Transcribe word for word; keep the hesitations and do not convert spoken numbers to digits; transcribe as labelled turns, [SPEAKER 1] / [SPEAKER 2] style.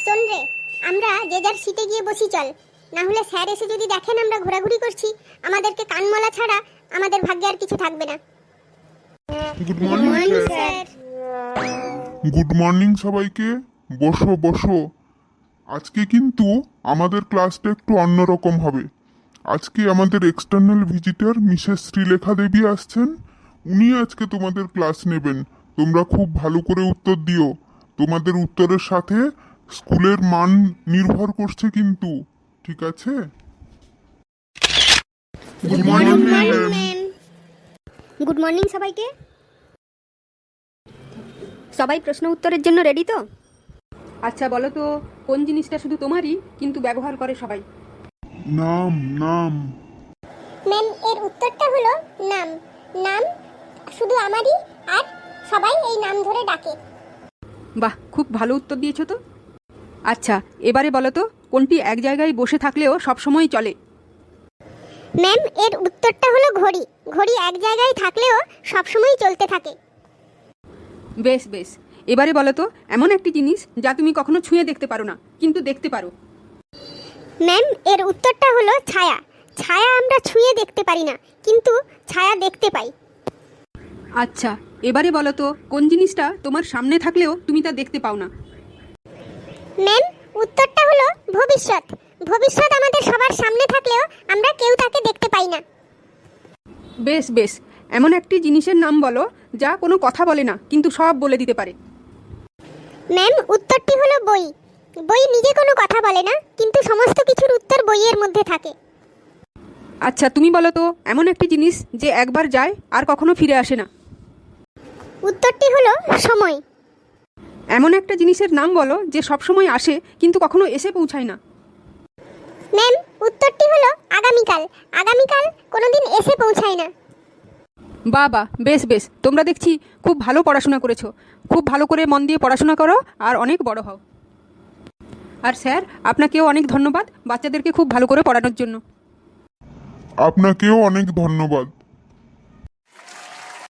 [SPEAKER 1] শোন রে, আমরা যে যার সিটে গিয়ে বসি চল, না হলে স্যার এসে যদি দেখেন আমরা ঘোরাঘুরি করছি, আমাদেরকে কানমলা ছাড়া আমাদের ভাগ্যে আর কিছু থাকবে না।
[SPEAKER 2] Good morning
[SPEAKER 1] sir.
[SPEAKER 2] Good morning সবাইকে। বসো বসো। আজকে কিন্তু আমাদের ক্লাসটা একটু অন্যরকম হবে। আজকে আমাদের external visitor Mrs Srilekha Debi আসছেন। উনি আজকে তোমাদের ক্লাস নেবেন। তোমরা খুব ভালো করে উত্তর দিও। তোমাদের উত্তরের সাথে স্কুলের মান নির্ভর করছে কিন্তু, ঠিক আছে? Good morning ma'am.
[SPEAKER 1] Good morning সবাইকে।
[SPEAKER 3] সবাই প্রশ্ন উত্তরের জন্য রেডি তো?
[SPEAKER 4] আচ্ছা বলো তো, কোন জিনিসটা শুধু তোমারই কিন্তু ব্যবহার করে সবাই?
[SPEAKER 2] নাম নাম
[SPEAKER 1] ম্যাম, এর উত্তরটা হলো নাম। নাম শুধু আমারই, আর সবাই এই নাম ধরে ডাকে।
[SPEAKER 4] বাহ, খুব ভালো উত্তর দিয়েছো তো। আচ্ছা, এবারে বলো তো, কোনটি এক জায়গায় বসে থাকলেও সবসময় চলে?
[SPEAKER 1] ম্যাম, এর উত্তরটা হলো ঘড়ি। ঘড়ি এক জায়গায় থাকলেও সবসময় চলতে থাকে।
[SPEAKER 4] বেশ বেশ, এবারে বলো তো, এমন একটি জিনিস যা তুমি কখনো ছুঁয়ে দেখতে পারো না কিন্তু দেখতে পারো।
[SPEAKER 1] ম্যাম, এর উত্তরটা হলো ছায়া। ছায়া আমরা ছুঁয়ে দেখতে পারি না, কিন্তু ছায়া দেখতে পাই।
[SPEAKER 4] আচ্ছা, এবারে বলো তো, কোন জিনিসটা তোমার সামনে থাকলেও তুমি তা দেখতে পাও না?
[SPEAKER 1] ম্যাম, উত্তরটা হলো ভবিষ্যৎ। ভবিষ্যৎ আমাদের সবার সামনে থাকলেও আমরা কেউ তাকে দেখতে পাই না।
[SPEAKER 4] বেশ বেশ, এমন একটি জিনিসের নাম বলো যা কোনো কথা বলে না কিন্তু সব বলে দিতে পারে।
[SPEAKER 1] ম্যাম, উত্তরটি হলো বই। বই নিজে কোনো কথা বলে না, কিন্তু সমস্ত কিছুর উত্তর বইয়ের মধ্যে থাকে।
[SPEAKER 4] আচ্ছা, তুমি বলো তো, এমন একটি জিনিস যে একবার যায় আর কখনো ফিরে আসে না?
[SPEAKER 1] উত্তরটি হলো সময়।
[SPEAKER 4] এমন একটা জিনিসের নাম বলো যে সব সময় আসে কিন্তু কখনো এসে পৌঁছায় না?
[SPEAKER 1] ম্যাম, উত্তরটি হলো আগামীকাল। আগামীকাল কোনোদিন এসে পৌঁছায় না।
[SPEAKER 4] বাহ বাহ, বেশ বেশ, তোমরা দেখছি খুব ভালো পড়াশোনা করেছো। খুব ভালো করে মন দিয়ে পড়াশোনা করো আর অনেক বড় হও। আর স্যার, আপনাকেও অনেক ধন্যবাদ বাচ্চাদেরকে খুব ভালো করে পড়ানোর জন্য।
[SPEAKER 2] আপনাকেও অনেক ধন্যবাদ।